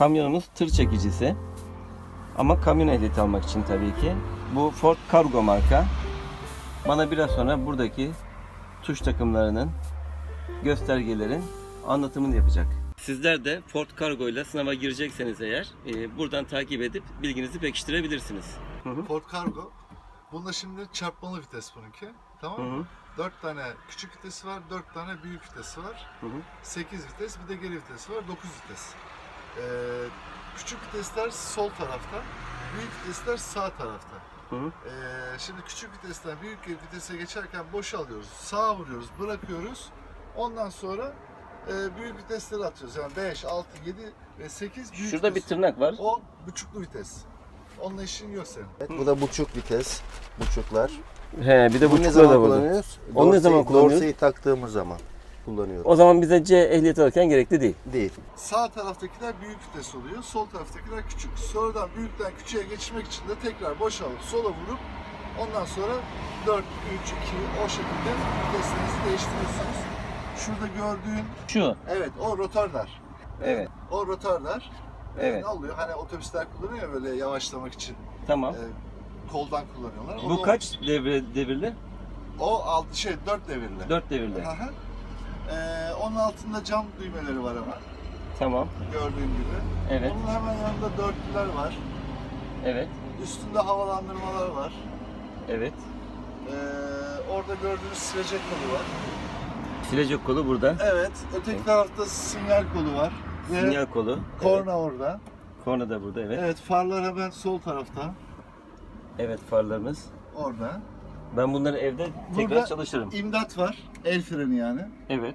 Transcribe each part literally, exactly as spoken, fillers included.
kamyonumuz tır çekicisi. Ama kamyon ehliyeti almak için tabii ki. Bu Ford Cargo marka. Bana biraz sonra buradaki tuş takımlarının, göstergelerin anlatımını yapacak. Sizler de Ford Cargo ile sınava girecekseniz eğer e, buradan takip edip bilginizi pekiştirebilirsiniz. Hı hı. Ford Cargo. Bunda şimdi çarpmalı vites bununki. Tamam mı? Hı hı. dört tane küçük vitesi var, dört tane büyük vitesi var. Hı hı. sekiz vites, bir de geri vitesi var, dokuz vites. Ee, küçük vitesler sol tarafta, büyük vitesler sağ tarafta. Hı hı. Ee, şimdi küçük vitesten büyük vitese geçerken boşalıyoruz, sağa vuruyoruz, bırakıyoruz. Ondan sonra e, büyük vitesleri atıyoruz. Yani beş, altı, yedi ve sekiz büyük Şurada bir vites. tırnak var. O buçuklu vites. Onunla işin yok senin. Evet, bu da buçuk vites, buçuklar. He, bir de Bunu bu ne zaman da burada. kullanıyoruz? Onu ne zaman kullanıyoruz? Dorseyi taktığımız zaman kullanıyoruz. O zaman bize C ehliyeti alırken gerekli değil. Değil. Sağ taraftakiler büyük vites oluyor, sol taraftakiler küçük. Sonradan büyükten küçüğe geçmek için de tekrar boşalıp sola vurup ondan sonra dört, üç, iki o şekilde viteslerinizi değiştiriyorsunuz. Şurada gördüğün, Şu. evet o rotarlar. Evet. O rotarlar. Ee, Evet. Ne oluyor? Hani otobüsler kullanıyor ya böyle yavaşlamak için. Tamam. e, koldan kullanıyorlar. Bu O- kaç devre, devirli? O altı şey dört devirli. dört devirli. Hı hı. Ee, onun altında cam düğmeleri var ama Tamam. gördüğün gibi. Evet. Onun hemen yanında dörtlüler var. Evet. Üstünde havalandırmalar var. Evet. Ee, orada gördüğünüz silecek kolu var. Silecek kolu burada. Evet, öteki tarafta sinyal kolu var. Ve Sinyal kolu. korna Evet. orada. Korna da burada, evet. Evet, farlar hemen sol tarafta. Evet, farlarımız. Orada. Ben bunları evde tekrar Burada çalışırım. imdat var. El freni yani. Evet.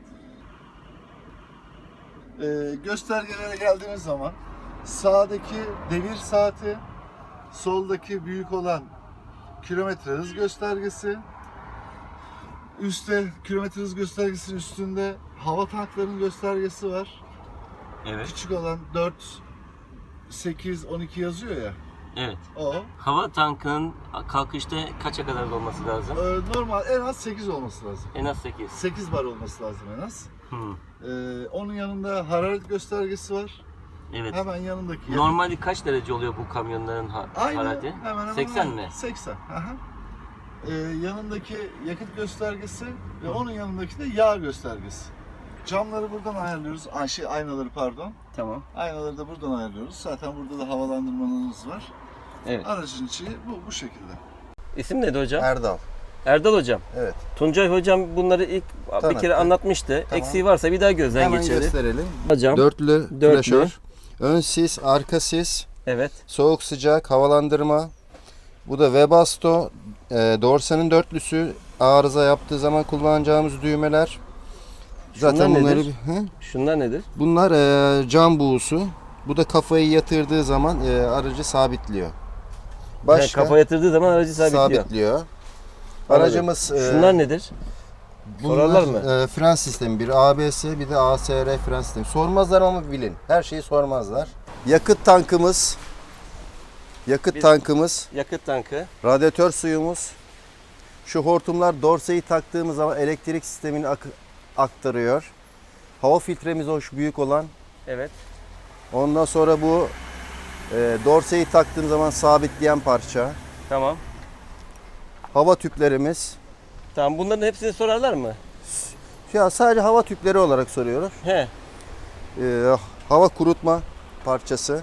Ee, göstergelere geldiğimiz zaman sağdaki devir saati, soldaki büyük olan kilometre hız göstergesi, üstte kilometre hız göstergesinin üstünde hava tanklarının göstergesi var. Evet. Küçük olan dört, sekiz, on iki yazıyor ya. Evet. O. Hava tankının kalkışta kaça kadar olması lazım? Ee, normal en az sekiz olması lazım. En az sekiz. sekiz bar olması lazım en az. Hı. Ee, onun yanında hararet göstergesi var. Evet. Hemen yanındaki. yakıt- Normalde kaç derece oluyor bu kamyonların ha- Aynı, harareti? hemen hemen seksen aynı. mi? seksen. Aha. Ee, yanındaki yakıt göstergesi ve onun yanındaki de yağ göstergesi. Camları buradan ayarlıyoruz. Ay, şey, aynaları pardon. Tamam. Aynaları da buradan ayarlıyoruz. Zaten burada da havalandırmanız var. Evet. Aracın içi bu, bu şekilde. İsim neydi hocam? Erdal. Erdal hocam. Evet. Tuncay hocam bunları ilk bir Tanıttı. kere anlatmıştı. Tamam. Eksiği varsa bir daha gözden Hemen geçirelim. gösterelim. Hocam. Dörtlü, Dörtlü. flaşör. Ön sis, arka sis, Evet. soğuk sıcak, havalandırma. Bu da Webasto. E, Dorse'nin dörtlüsü. Arıza yaptığı zaman kullanacağımız düğmeler. Zaten Şunlar bunları nedir? Hı? Şunlar nedir? Bunlar e, cam buğusu. Bu da kafayı yatırdığı zaman e, aracı sabitliyor. Başka Yani kafa yatırdığı zaman aracı sabitliyor. sabitliyor. Aracımız e, Şunlar nedir? sorarlar mı? e, fren sistemi, bir A B S, bir de A S R fren sistemi. Sormazlar ama bilin. Her şeyi sormazlar. Yakıt tankımız. Yakıt Biz- tankımız, Yakıt tankı. radyatör suyumuz. Şu hortumlar dorseyi taktığımız zaman elektrik sistemini ak- aktarıyor. Hava filtremiz hoş büyük olan. Evet. Ondan sonra bu e, dorseyi taktığım zaman sabitleyen parça. Tamam. Hava tüplerimiz. Tamam, bunların hepsini sorarlar mı? Ya sadece hava tüpleri olarak soruyoruz. He. E, hava kurutma parçası.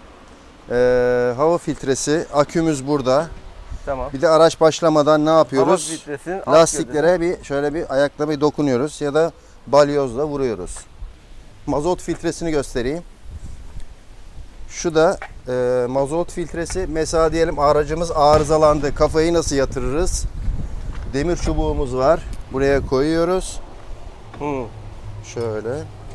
E, hava filtresi. Akümüz burada. Tamam. Bir de araç başlamadan ne Hava yapıyoruz? filtresinin alt Lastiklere bir şöyle bir ayakla bir dokunuyoruz ya da balyozla vuruyoruz. Mazot filtresini göstereyim. Şu da e, mazot filtresi. Mesela diyelim aracımız arızalandı. Kafayı nasıl yatırırız? Demir çubuğumuz var. Buraya koyuyoruz. gövde. Hı. Şöyle.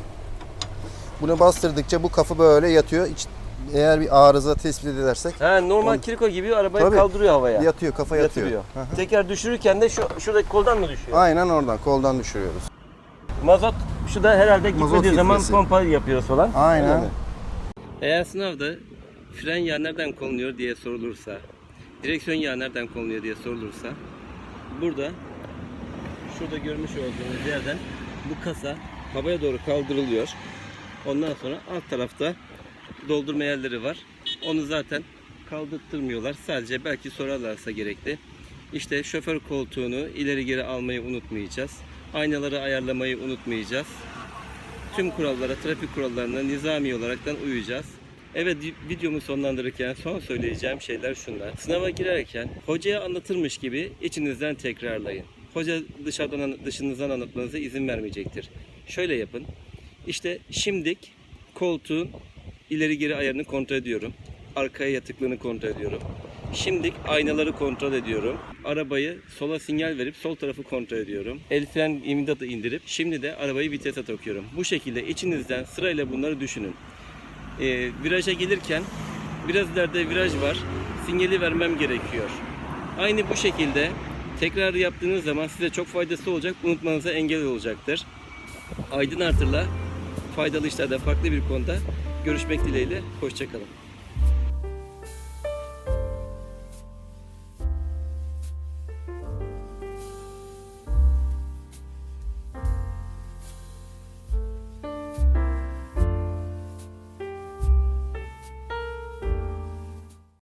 Bunu bastırdıkça bu kafa böyle yatıyor. İç- eğer bir arıza tespit edersek Ha, normal On- kiriko gibi arabayı Tabii. kaldırıyor havaya. yatıyor, kafa yatıyor. Yatırıyor. Hı hı. Teker düşürürken de şu şuradaki koldan mı düşüyor? Aynen oradan koldan düşürüyoruz. Mazot şu da herhalde Mazot gitmediği zaman filtresi. pompa yapıyoruz falan. Aynen. Öyle mi? Eğer sınavda fren yağı nereden konuluyor diye sorulursa, direksiyon yağı nereden konuluyor diye sorulursa, burada şurada görmüş olduğunuz yerden bu kasa havaya doğru kaldırılıyor. Ondan sonra alt tarafta doldurma yerleri var. Onu zaten kaldırtmıyorlar. Sadece belki sorarlarsa gerekli. İşte şoför koltuğunu ileri geri almayı unutmayacağız. Aynaları ayarlamayı unutmayacağız. Tüm kurallara, trafik kurallarına nizami olaraktan uyacağız. Evet, videomu sonlandırırken son söyleyeceğim şeyler şunlar. Sınava girerken hocaya anlatırmış gibi içinizden tekrarlayın. Hoca dışarıdan dışınızdan anlatmanıza izin vermeyecektir. Şöyle yapın. İşte şimdik koltuğun ileri geri ayarını kontrol ediyorum. Arkaya yatıklığını kontrol ediyorum. Şimdik aynaları kontrol ediyorum. Arabayı sola sinyal verip sol tarafı kontrol ediyorum. El fren imdatı indirip şimdi de arabayı vitese takıyorum. Bu şekilde içinizden sırayla bunları düşünün. Ee, viraja gelirken biraz ileride viraj var. Sinyali vermem gerekiyor. Aynı bu şekilde tekrar yaptığınız zaman size çok faydası olacak. Unutmanıza engel olacaktır. Aydın Artır'la faydalı işlerde farklı bir konuda görüşmek dileğiyle. Hoşça kalın.